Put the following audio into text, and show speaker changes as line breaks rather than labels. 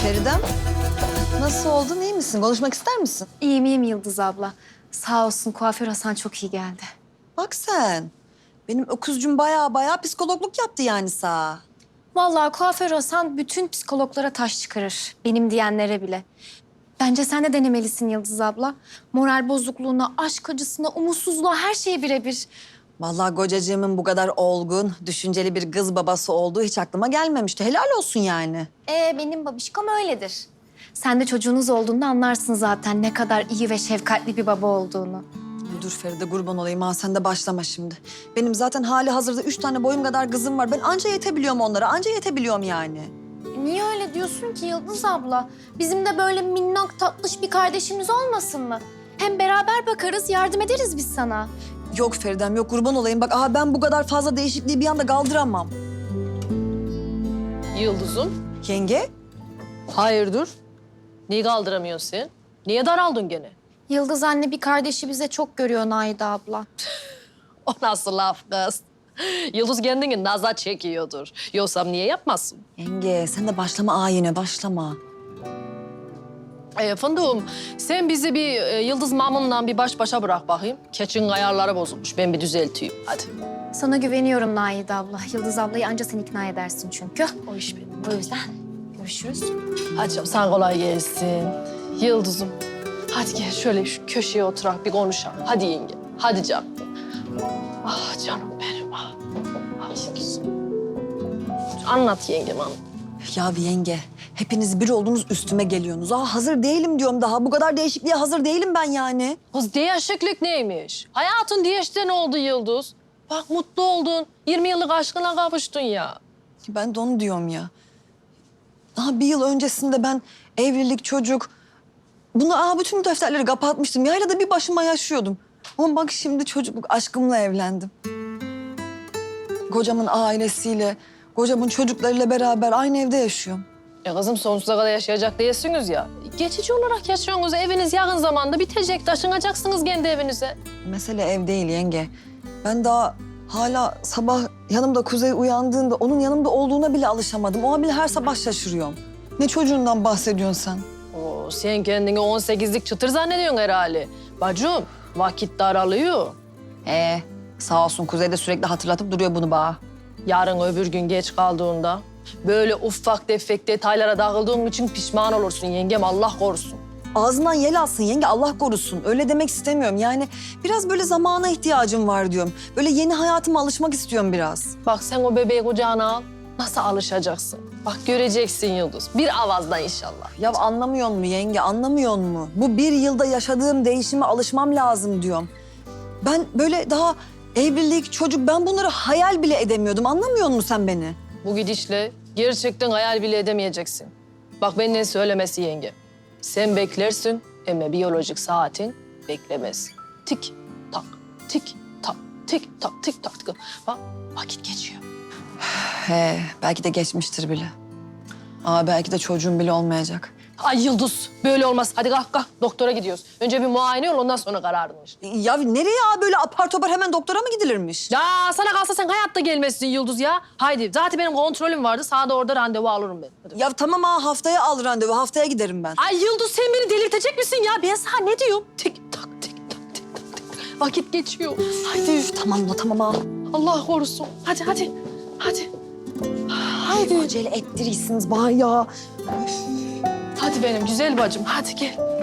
Feridem, nasıl oldun, iyi misin? Konuşmak ister misin?
İyiyim Yıldız abla. Sağ olsun kuaför Hasan çok iyi geldi.
Bak sen, benim öküzcüm baya psikologluk yaptı yani sağ.
Vallahi kuaför Hasan bütün psikologlara taş çıkarır. Benim diyenlere bile. Bence sen de denemelisin Yıldız abla. Moral bozukluğuna, aşk acısına, umutsuzluğa her şeye birebir.
Vallahi kocacığımın bu kadar olgun, düşünceli bir kız babası olduğu hiç aklıma gelmemişti. Helal olsun yani.
Benim babişkom öyledir. Sen de çocuğunuz olduğunda anlarsın zaten ne kadar iyi ve şefkatli bir baba olduğunu.
Dur Feride, kurban olayım ha, sen de başlama şimdi. Benim zaten hali hazırda 3 tane boyum kadar kızım var. Ben anca yetebiliyorum onlara, anca yetebiliyorum yani.
Niye öyle diyorsun ki Yıldız abla? Bizim de böyle minnak tatlış bir kardeşimiz olmasın mı? Hem beraber bakarız, yardım ederiz biz sana.
Yok Feridem, yok kurban olayım. Bak ben bu kadar fazla değişikliği bir anda kaldıramam.
Yıldız'ım,
Yenge?
hayırdır? Niye kaldıramıyorsun sen? Niye daraldın gene?
Yıldız anne bir kardeşi bize çok görüyor Naide abla.
O nasıl laf kız? Yıldız kendini nazar çekiyordur. Yoksa niye yapmazsın?
Yenge, sen de başlama yine, başlama.
Fındığım, sen bizi bir Yıldız Mamun'la bir baş başa bırak bakayım. Keçin ayarları bozulmuş. Ben bir düzelteyim. Hadi.
Sana güveniyorum Naide abla. Yıldız ablayı anca sen ikna edersin çünkü.
O iş benim.
O yüzden görüşürüz.
Hadi canım, sen kolay gelsin. Yıldız'ım, hadi gel şöyle şu köşeye oturak bir konuşalım. Hadi yenge, hadi canım. Ah canım benim, ah. Ah Yıldız'ım. Anlat yengem, anlat.
Ya yenge, hepiniz bir oldunuz üstüme geliyorsunuz. Hazır değilim diyorum daha. Bu kadar değişikliğe hazır değilim ben yani.
Kız değişiklik neymiş? Hayatın değişti ne oldu Yıldız? Bak mutlu oldun. 20 yıllık aşkına kavuştun ya.
Ben de onu diyorum ya. Daha bir yıl öncesinde ben evlilik, çocuk... bütün bu defterleri kapatmıştım. Yaylada bir başıma yaşıyordum. Ama bak şimdi çocukluk aşkımla evlendim. Kocamın ailesiyle, kocamın çocuklarıyla beraber aynı evde yaşıyorum.
Kızım sonsuza kadar yaşayacak değilsiniz ya. Geçici olarak yaşıyorsunuz. Eviniz yakın zamanda bitecek. Taşınacaksınız kendi evinize.
Mesele ev değil yenge. Ben daha hala sabah yanımda Kuzey uyandığında onun yanımda olduğuna bile alışamadım. Ona bile her sabah şaşırıyorum. Ne çocuğundan bahsediyorsun sen?
Oo, sen kendini 18'lik çıtır zannediyorsun herhalde. Bacım, vakit daralıyor.
Sağ olsun Kuzey de sürekli hatırlatıp duruyor bunu bana.
Yarın öbür gün geç kaldığında böyle ufak tefek detaylara dağıldığın için pişman olursun yengem, Allah korusun.
Ağzından yel alsın yenge, Allah korusun. Öyle demek istemiyorum. Yani biraz böyle zamana ihtiyacım var diyorum. Böyle yeni hayatıma alışmak istiyorum biraz.
Bak sen o bebeği kucağına al. Nasıl alışacaksın? Bak göreceksin Yıldız. Bir avazdan inşallah.
Ya anlamıyor mu yenge, anlamıyor mu? Bu bir yılda yaşadığım değişime alışmam lazım diyorum. Ben böyle daha evlilik, çocuk, ben bunları hayal bile edemiyordum. Anlamıyor musun sen beni?
Bu gidişle gerçekten hayal bile edemeyeceksin. Bak benden söylemesi yenge. Sen beklersin ama biyolojik saatin beklemez. Tik tak, tik tak, tik tak, tik tak. Bak vakit geçiyor.
Belki de geçmiştir bile. Belki de çocuğum bile olmayacak.
Ay Yıldız böyle olmaz. Hadi kalk kalk doktora gidiyoruz. Önce bir muayene ol ondan sonra kararını ver.
Ya nereye böyle apar topar hemen doktora mı gidilirmiş?
Ya sana kalsa sen hayatta gelmezsin Yıldız ya. Haydi zaten benim kontrolüm vardı. Sana da orada randevu alırım ben. Hadi.
Ya tamam haftaya al randevu, haftaya giderim ben.
Ay Yıldız sen beni delirtecek misin ya? Ben sana ne diyorum? Tik tak tik tak tik tak tik tak. Vakit geçiyor. Haydi.
Tamam la tamam ha.
Allah korusun. Hadi hadi. Hadi. Haydi.
Acele ettirirsiniz bana ya.
Hadi benim güzel bacım. Hadi gel.